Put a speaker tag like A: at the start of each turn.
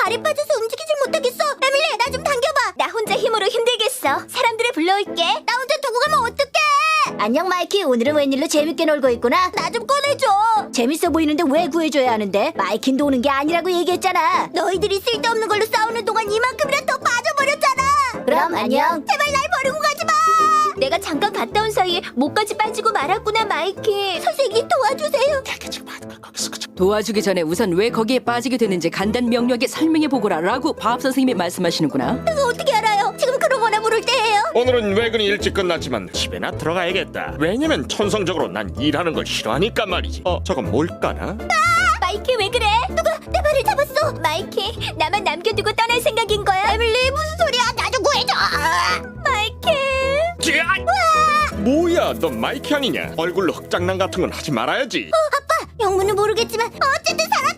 A: 발이 빠져서 움직이질 못하겠어. 에밀리, 나 좀 당겨봐. 나 혼자 힘으로 힘들겠어. 사람들을 불러올게. 나 혼자 두고 가면 어떡해? 안녕 마이키. 오늘은 웬일로 재밌게 놀고 있구나. 나 좀 꺼내줘. 재밌어 보이는데 왜 구해줘야 하는데? 마이킨 도는 게 아니라고 얘기했잖아. 너희들이 쓸데없는 걸로 싸우는 동안 이만큼이나 더 빠져버렸잖아. 그럼 안녕. 제발 날 버리고 가지 마. 내가 잠깐 갔다 온 사이에 목까지 빠지고 말았구나 마이키. 선생님 도와주세요.
B: 도와주기 전에 우선 왜 거기에 빠지게 되는지 간단 명료하게 설명해 보거라 라고 밥 선생님이 말씀하시는구나.
A: 그거 어떻게 알아요? 지금 그러거나 부를 때예요.
C: 오늘은 외근이 일찍 끝났지만 집에나 들어가야겠다. 왜냐면 천성적으로 난 일하는 걸 싫어하니까 말이지. 저건 뭘까나?
A: 마이키 왜 그래? 누가 내 발을 잡았어? 마이키, 나만 남겨두고 떠날 생각인 거야? 에밀리, 무슨 소리야? 나 좀 구해줘. 마이키.
C: 뭐야, 너 마이키 아니냐? 얼굴로 흑장난 같은 건 하지 말아야지.
A: 아빠, 영문은 모르겠지만 어쨌든 살았다.